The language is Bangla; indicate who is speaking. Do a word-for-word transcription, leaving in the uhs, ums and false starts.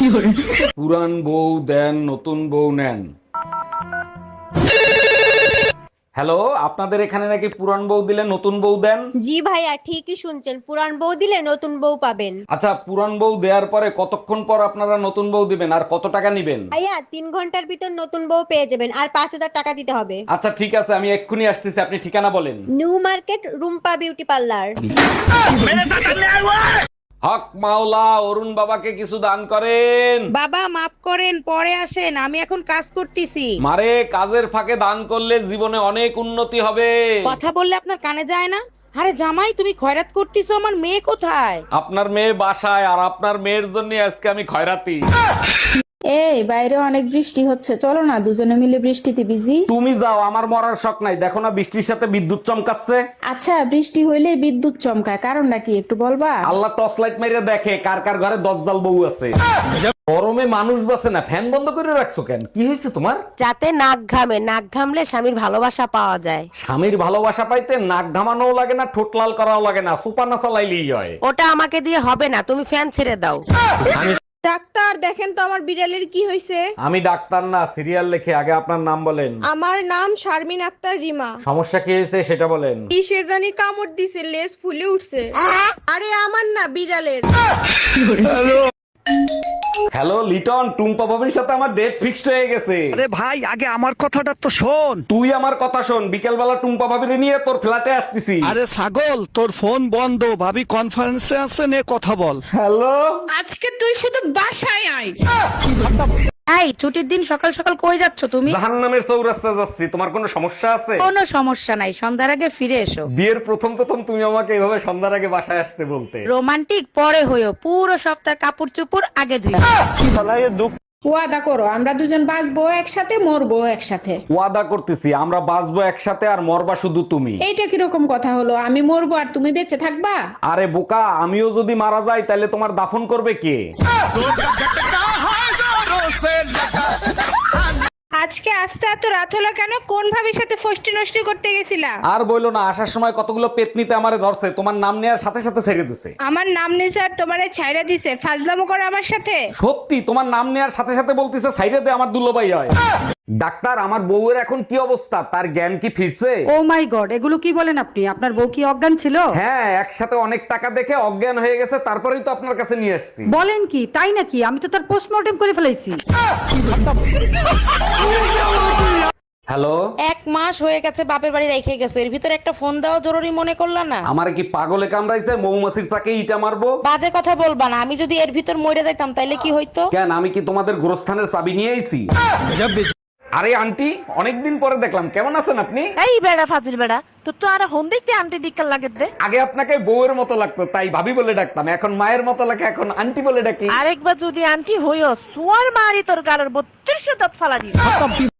Speaker 1: পুরান বউ দেন, নতুন বউ নেন। হ্যালো, আপনাদের এখানে নাকি পুরান বউ দিলে নতুন বউ দেন?
Speaker 2: জি ভাইয়া, ঠিকই শুনছেন, পুরান বউ দিলে নতুন বউ পাবেন।
Speaker 1: আচ্ছা, পুরান বউ দেওয়ার পরে কতক্ষণ পর আপনারা নতুন বউ দিবেন আর কত টাকা নিবেন?
Speaker 2: ভাইয়া, তিন ঘন্টার ভিতর নতুন বউ পেয়ে যাবেন, আর পাঁচ হাজার টাকা দিতে হবে।
Speaker 1: আচ্ছা ঠিক আছে, আমি এক্ষুনি আসতেছি, আপনি ঠিকানা বলেন।
Speaker 2: New Market, Rumpa beauty parlour.
Speaker 1: হক মাওলা, অরুণ বাবাকে কিছু দান করেন।
Speaker 3: বাবা মাফ করেন, পরে আসেন, আমি এখন কাজ করতেছি।
Speaker 1: মারে, কাজের ফাঁকে দান করলে জীবনে অনেক উন্নতি হবে।
Speaker 3: কথা বললে আপনার কানে যায় না? আরে জামাই, তুমি খয়রাত করতেছো, আমার মেয়ে কোথায়?
Speaker 1: আপনার মেয়ে বাসায়, আর আপনার মেয়ের জন্য আজকে আমি খয়রাতি।
Speaker 4: এই বাইরে অনেক বৃষ্টি হচ্ছে, চলো না দুজনে মিলে বৃষ্টিতে ভিজি।
Speaker 1: তুমি যাও, আমার মরার শখ নাই। দেখো না বৃষ্টির সাথে বিদ্যুৎ চমকাচ্ছে।
Speaker 4: আচ্ছা, বৃষ্টি হইলে বিদ্যুৎ চমকায়, কারণটা কি একটু বলবা?
Speaker 1: আল্লাহ টর্চ লাইট মেরে দেখে কার কার ঘরে দজ্জাল বউ আছে। গরমে মানুষ বাসে না, ফ্যান বন্ধ করে রাখছো কেন? কি হয়েছে তোমার?
Speaker 3: যাতে নাক ঘামে, নাক ঘামলে স্বামীর ভালোবাসা পাওয়া যায়।
Speaker 1: স্বামীর ভালোবাসা পাইতে নাক ঘামানোও লাগে না, ঠোঁট লাল করাও লাগে না, সুপার না চালাইলেই হয়।
Speaker 3: ওটা আমাকে দিয়ে হবে না, তুমি ফ্যান ছেড়ে দাও।
Speaker 5: ডাক্তার, দেখেন তো আমার বিড়ালের কি হয়েছে।
Speaker 1: আমি ডাক্তার না, সিরিয়াল লেখে। আগে আপনার নাম বলেন।
Speaker 5: আমার নাম শারমিন আক্তার রিমা।
Speaker 1: সমস্যা কি হয়েছে সেটা বলেন।
Speaker 5: কি সে জানি কামড় দিছে, লেজ ফুলে উঠছে। আরে আমার না, বিড়ালের।
Speaker 1: হ্যালো লিটন, টুম্পা ভাবির সাথে আমার ডেট ফিক্সড হয়ে গেছে।
Speaker 6: আরে ভাই, আগে আমার কথাটা তো শোন।
Speaker 1: তুই আমার কথা শোন, বিকেল বেলা টুম্পা ভাবির নিয়ে তোর ফ্ল্যাটে আসতেছি।
Speaker 6: আরে ছাগল, তোর ফোন বন্ধ, ভাবি কনফারেন্সে আছে, নে কথা বল।
Speaker 1: হ্যালো,
Speaker 5: আজকে তুই শুধু বাসায় আয়।
Speaker 3: এই ছুটির দিন সকাল সকাল কই যাচ্ছ তুমি?
Speaker 1: জাহান্নামের চৌরাস্তা যাচ্ছি। তোমার কোনো সমস্যা আছে?
Speaker 3: কোনো সমস্যা নাই, সন্ধ্যার আগে ফিরে এসো।
Speaker 1: বিয়ের প্রথম প্রথম তুমি আমাকে এইভাবে সন্ধ্যার আগে বাসায় আসতে বলতে।
Speaker 3: রোমান্টিক পরে হইও, পুরো সপ্তাহ কাপড় চোপড় আগে ধুই।
Speaker 4: ওয়াদা করো, আমরা দুজন বাঁচবো একসাথে, মরবো একসাথে।
Speaker 1: ওয়াদা করতেছি, আমরা বাঁচবো একসাথে, আর মরবা শুধু তুমি।
Speaker 4: এইটা কিরকম কথা হলো? আমি মরবো আর তুমি বেঁচে থাকবা?
Speaker 1: আরে বোকা, আমিও যদি মারা যাই তাহলে তোমার দাফন করবে কে?
Speaker 5: আজকে আসতে এত রাত হলো কেন? কোন ভাবির সাথে ফষ্টি নষ্টি করতে গেছিলা?
Speaker 1: আর বইলো না, আসার সময় কতগুলো পেতনিতে আমারে ধরছে, তোমার নাম নেওয়ার সাথে সাথে ছেড়ে দিছে।
Speaker 5: আমার নাম নিছে আর তোমারে ছাইড়া দিছে, ফাজলামো করো আমার সাথে।
Speaker 1: সত্যি, তোমার নাম নেওয়ার সাথে সাথে বলতিছে সাইডে দে, আমার দুলোবাই হয়। ডাক্তার, আমার বউয়ের এখন কি অবস্থা? তার জ্ঞান কি ফিরছে?
Speaker 7: ও মাই গড, এগুলো কি বলেন আপনি? আপনার বউ কি অজ্ঞান ছিল?
Speaker 1: হ্যাঁ, একসাথে অনেক টাকা দেখে অজ্ঞান হয়ে গেছে, তারপরেই তো আপনার কাছে নিয়ে আসছি।
Speaker 7: বলেন কি, তাই নাকি? আমি তো তার পোস্টমর্টেম করে ফেলেছি।
Speaker 1: হ্যালো,
Speaker 3: এক মাস হয়ে গেছে বাপের বাড়ি রেখে গেছো, এর ভিতরে একটা ফোন দেওয়া জরুরি মনে করলা না?
Speaker 1: আমার কি পাগলে কামড়াইছে? মৌমাছির চাকে ইটা মারবো?
Speaker 3: বাজে কথা বলবা না, আমি যদি এর ভিতর মরে যাইতাম তাইলে কি হইতো?
Speaker 1: কেন, আমি কি তোমাদের গোরস্থানের চাবি নিয়ে আইছি? আরে আন্টি, অনেকদিন পরে দেখলাম, কেমন আছেন আপনি?
Speaker 3: এই বেড়া ফাজিল বেড়া, তোর তো আর হন দেখতে আন্টি ডিক্কার লাগে দে।
Speaker 1: আগে আপনাকে বউয়ের মতো লাগতো, তাই ভাবি বলে ডাকতাম, এখন মায়ের মতো লাগে, এখন আন্টি বলে ডাকি।
Speaker 3: আরেকবার যদি আন্টি হইও, সোয়ার মারি তোর গালের বত্রিশ দাঁত ফালা দিই।